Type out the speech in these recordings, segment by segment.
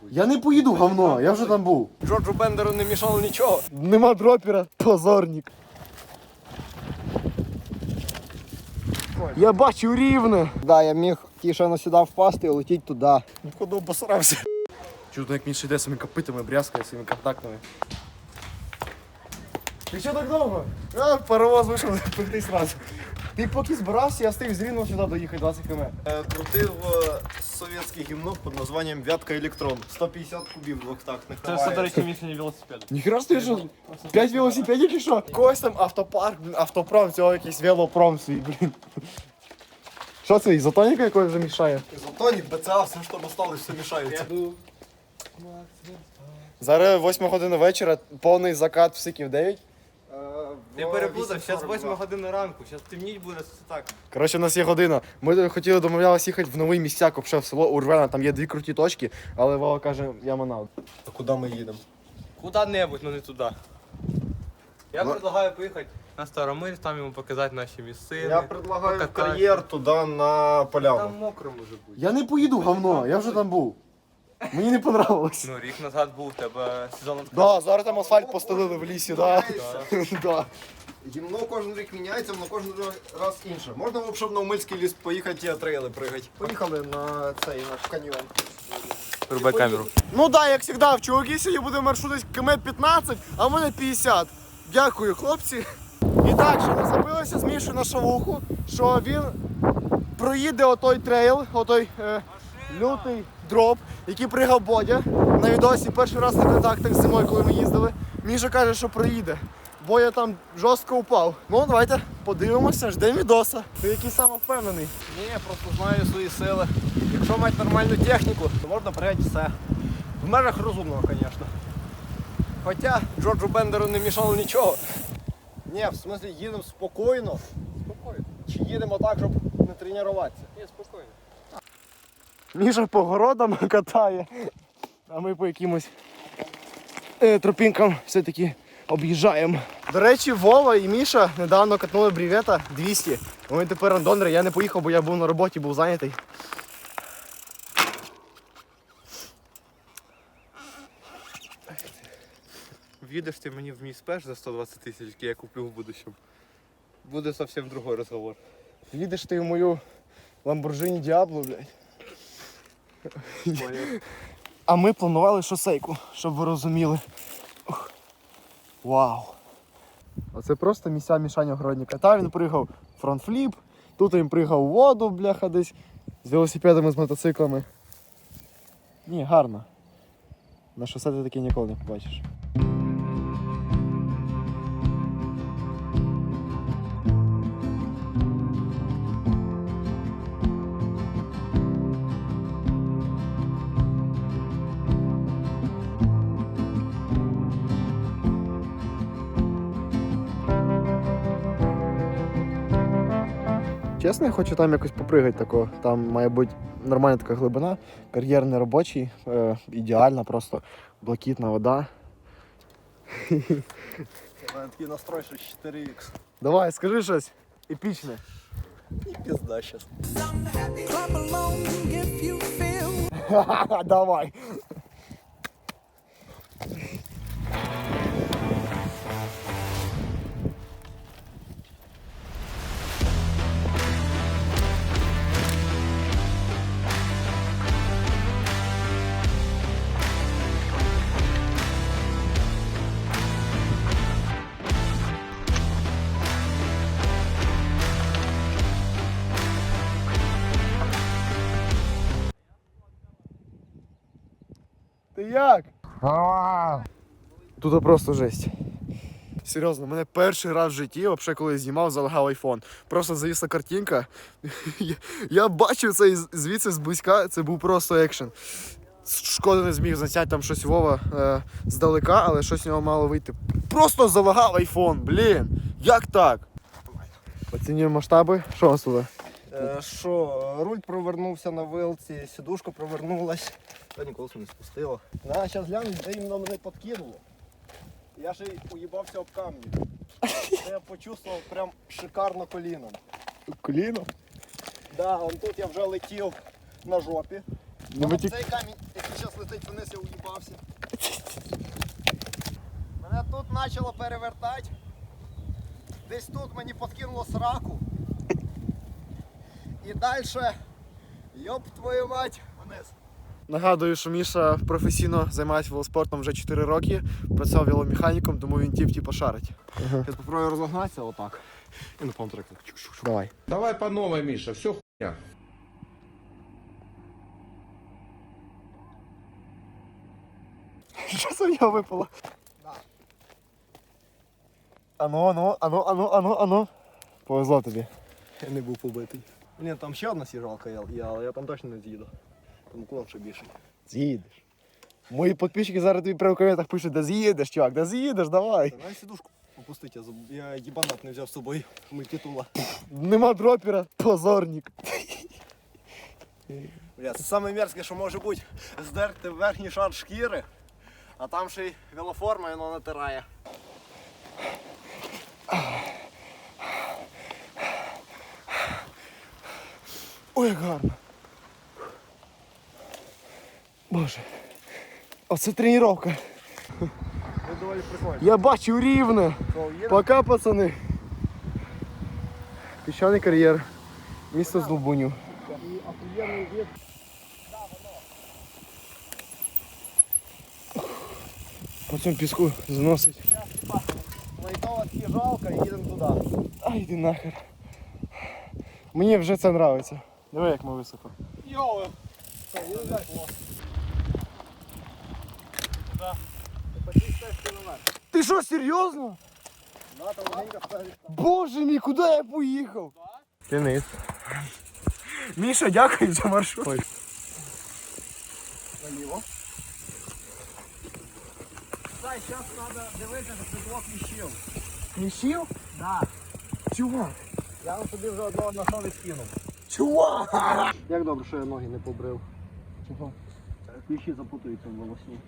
Я не поїду, говно, я вже там був. Джорджу Бендеру не мішало нічого. Нема дропера, позорник. Я бачу рівне. Да, я міг тішано сюди впасти і летіти туди. Походу обосрався. Чудно, як Міша йде своїми копитами, брязкає своїми контактами. Ти що так довго? А, паровоз вийшов, пекти сразу. Ти поки збирався, я встиг з Рівного сюди доїхати 20 км. Крутив совєтське гімно під названням «Вятка Електрон». 150 кубів двохтактних. Це, до речі, місце велосипеду. Ніхера ж ти що? 5 велосипедів чи що? Когось там автопарк, блін, автопром, цього якийсь велопром свій, блін. Що це, ізотоніка якось вже мішає? Ізотонік, БЦА, все, що осталось, все мішається. Зараз 8 година вечора, повний закат в Сиків 9. Ти переплутав, зараз 8 година ранку, зараз темніть буде так. Коротше, у нас є година. Ми хотіли домовлялися їхати в новий місцяк, взагалі в село Урвена, там є 2 круті точки, але Вова каже, я манав. А куди ми їдемо? Куда-небудь, но не туди. Я предлагаю поїхати на Старомиль, там йому показати наші місцини. Я предлагаю покататися. кар'єр туди на поляну. Там мокро може бути. Я не поїду, говно, я вже там був. Мені не понравилось. Ну, рік назад був у тебе сезон. Да, зараз там асфальт постелили в лісі, да. Да. Гімно кожен рік міняється, воно кожен раз інше. Можна взагалі в Новомильський ліс поїхати і трейли пригати. Поїхали на цей наш каньйон. Рубай камеру. Ну да, як завжди, в чуваки сьогодні буде маршрут десь км 15, а в мене 50. Дякую, хлопці. І так, що ми забилися з Мішою на шавуху, що він проїде отой трейл, отой лютий дроп, який пригав Бодя на відосі перший раз на контактах зимою, коли ми їздили. Міша каже, що проїде. Бодя там жорстко упав. Ну, давайте подивимося, ждемо відоса. Ти який самовпевнений. Ні, я просто знаю свої сили. Якщо мати нормальну техніку, то можна пригати все. В межах розумного, звісно. Хоча Джорджу Бендеру не мішало нічого. Ні, в смислі їдемо спокійно. Спокійно. Чи їдемо так, щоб не тренуватися? Ні, спокійно. Міша по городам катає, а ми по якимось тропінкам все-таки об'їжджаємо. До речі, Вова і Міша недавно катнули брівета 200. Вони тепер рандонери, я не поїхав, бо я був на роботі, був зайнятий. В'їдеш ти мені в мій спеш за 120 тисяч, який я куплю в будущем. Буде зовсім другой розговор. Їдеш ти в мою Lamborghini Diablo, блядь. А ми планували шосейку, щоб ви розуміли. Ух. Вау. Оце просто місця Мішаня Огородника. Там він пригав фронтфліп, тут він пригав у воду, бляха, десь з велосипедами, з мотоциклами. Ні, гарно. На шосе ти таке ніколи не побачиш. Чесно, я хочу там якось попригати такого. Там має бути нормальна така глибина, кар'єр не робочий, ідеальна, просто блакитна вода. У мене такий настрой, що 4х. Давай, скажи щось епічне. І пізда щас. Давай. Ти як? Тут просто жесть. Серйозно, мене перший раз в житті, взагалі, коли я знімав, залагав айфон. Просто завісла картинка. Я бачив це звідси зблизька, це був просто екшен. Шкода, не зміг засняти там щось Вова здалека, але щось з нього мало вийти. Просто залагав айфон, блін. Як так? Оцінюємо масштаби. Що у нас тут? Що, руль провернувся на вилці, сідушка провернулась. Та ніколи не спустило. Зараз глянь, де іменно мене підкинуло. Я ще й уїбався об камні. Це я почувствував прям шикарно коліном. Коліно? Да, он тут я вже летів на жопі. Ну, Цей камінь, який зараз летить вниз, я уїбався. Мене тут почало перевертати. Десь тут мені подкинуло сраку. І далі, йоп твою мать, вниз. Нагадую, що Міша професійно займається велоспортом вже 4 роки, працював веломеханіком, тому він тіп-тіпа шарить. Я спробую розогнатися отак. І на повному треку. Давай. Давай по новой, Миша, все хуйня. Що з нього випало? Ану. Повезло тобі. Я не був побитий. Ні, там ще одна сіжалка, але я там точно не з'їду. Там уклон ще більший. З'їдеш. Мої підписчики зараз тобі прямо в коментах пишуть, да з'їдеш, чувак, да з'їдеш, давай. Давай сідушку опустити, я їбанат не взяв з собою мультитула. Нема дропера, позорник. Бля, це саме мерзке, що може бути, здерти верхній шар шкіри, а там ще й велоформа, і воно натирає. Ой, як гарно. Боже. Оце тренування. Це доволі прикольно. Я бачу рівно. Пока, пацани. Піщаний кар'єр. Місто Здолбунів. По цьому піску заносить. Лайтова сіжалка і їдемо туди. Ай, йди нахер. Мені вже це подобається. Диви, як ми високо. Йоу! Ти що, серйозно? Боже мій, куди я поїхав? Кінець. Міша, дякую за маршрут. Наліво. Дай, зараз треба дивитися, що це блок міщів. Міщів? Да. Чувак. Я вам собі вже одного знайшов і скинув. Чувак! Як добре, що я ноги не побрив. Чого? Кліщі запутуються в волосні.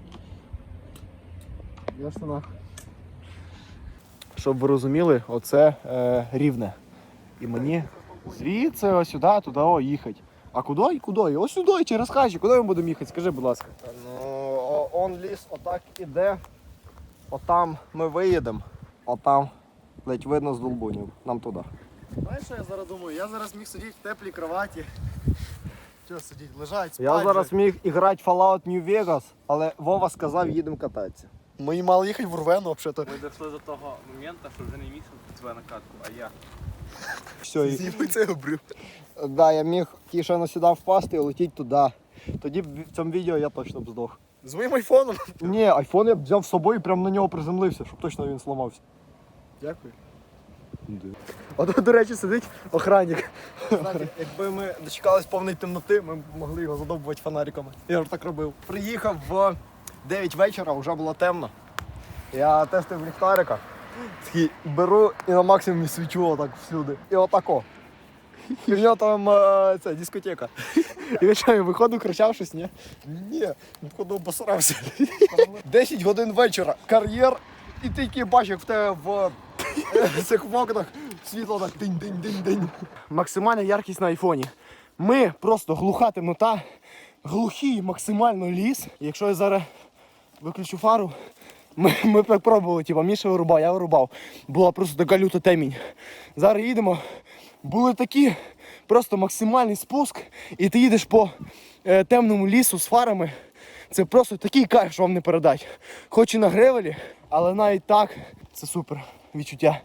Ясно нахуй. Щоб ви розуміли, оце рівне. І мені звідси ось сюди, туди їхати. А куди? Куди? Ось сюди, через хащі. Куди ми будемо їхати? Скажи, будь ласка. Ну, он ліс отак іде. Отам ми виїдемо. Отам ледь видно з Долбунів. Нам туди. Знаєш, що я зараз думаю? Я зараз міг сидіти в теплій кроваті. Що сидіти? Лежать, спать. Я зараз же. міг грати Fallout New Vegas, але Вова сказав, їдемо кататися. Ми мали їхати в Рвену, взагалі. Ми дійшли до того моменту, що вже не міг тебе на катку, а я. Все, Зніми цей обрив. да, я міг тішено сюди впасти і летіти туди. Тоді б в цьому відео я точно б здох. З моїм айфоном. Ні, айфон я б взяв з собою і прямо на нього приземлився, щоб точно він зламався. Дякую. От, до речі, сидить охранник. Знаєте, якби ми дочекались повної темноти, ми б могли його задовбувати фонариками. Я ж так робив. Приїхав в 9 вечора, вже було темно. Я тестив ліхтарика. Такий беру і на максимумі свічу отак всюди. І отако. І в нього там це, дискотека. І він що, виходив, кричав щось, ні? Ні, входу обосрався. 10 годин вечора, кар'єр, і ти тільки бачиш, як в тебе в цих вокнах світло так динь-динь-динь-динь. Максимальна яркість на айфоні. Ми просто глуха темнота, глухий максимально ліс. І якщо я зараз виключу фару, ми так пробували, типу, Міша вирубав, я вирубав. Була просто така люта темінь. Зараз їдемо, були такі, просто максимальний спуск, і ти їдеш по темному лісу з фарами. Це просто такий кайф, що вам не передать. Хоч і на гревелі, але навіть так, це супер відчуття.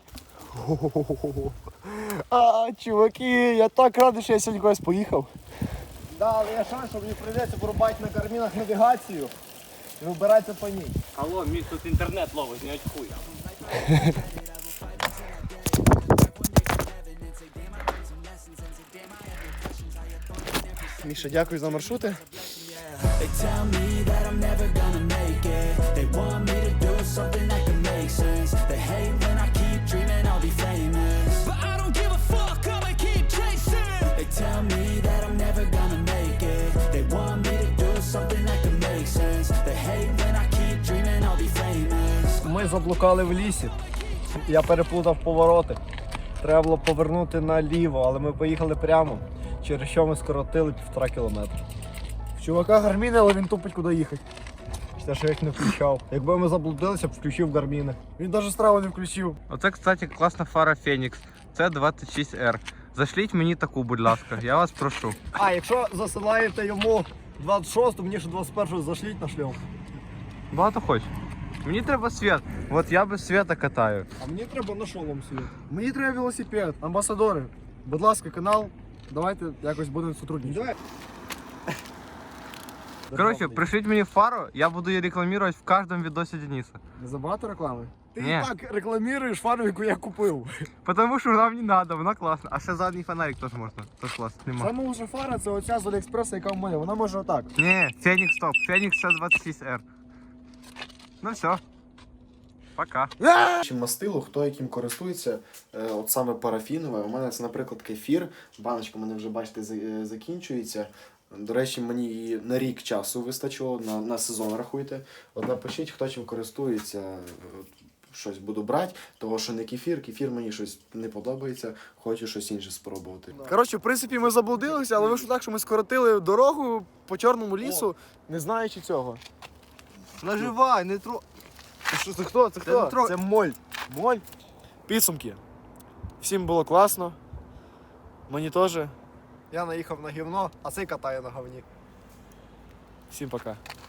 Чуваки, я так радий, що я сьогодні кудись поїхав. Да, але є шанс, що мені прийдеться вирубати на кармінах навігацію і вибиратися по ній. Алло, мій тут інтернет ловить, не очкуй. Міша, дякую за маршрути. They tell me that I'm never gonna make it. They want me to do something that can make sense. They hate when I keep dreaming I'll be famous, but I don't give a fuck, I'ma keep chasing. They tell me that I'm never gonna make it. They want me to do something that can make sense. They hate when I keep dreaming I'll be famous. Ми заблукали в лісі. Я переплутав повороти. Треба було повернути наліво, але ми поїхали прямо, через що ми скоротили 1,5 кілометра. В Чувака гарміни, але він тупить, куди їхати. Те, що я їх не включав. Якби ми заблудилися, б включив гарміни. Він навіть страву не включив. Оце, кстати, класна фара Фенікс. Це 26R. Зашліть мені таку, будь ласка, я вас прошу. А, якщо засилаєте йому 26, то мені ще 21 зашліть на шльом. Багато хочеш. Мені треба світ. От я без світа катаю. А мені треба на шолом світ. Мені треба велосипед. Амбасадори, будь ласка, канал, давайте якось будемо сотрудничати. Давай. Коротше, пришліть мені фару, я буду її рекламувати в кожному відосі Дениса. Не забагато реклами? Ти Ні. і так рекламуєш фару, яку я купив. Потому що нам не треба, вона класна. А ще задній фонарик теж можна. Теж класно. Нема. Саме лучша фара це оця з Аліекспреса, яка в мене. Вона може отак. Ні, Фенікс топ. Фенікс це 26R. Ну все. Пока. Чим мастило, хто яким користується, от саме парафінове. У мене це, наприклад, кефір. Баночка у мене вже, бачите, закінчується. До речі, мені її на рік часу вистачило, на сезон рахуйте. От напишіть, хто чим користується, щось буду брати, того що не кефір, кефір мені щось не подобається, хочу щось інше спробувати. Коротше, в принципі, ми заблудилися, але вийшло так, що ми скоротили дорогу по Чорному лісу, не знаючи цього. Наживай, не тро... Що це хто? Це хто? Це моль. Моль. Підсумки. Всім було класно. Мені теж. Я наїхав на гівно, а цей катає на говні. Всім пока.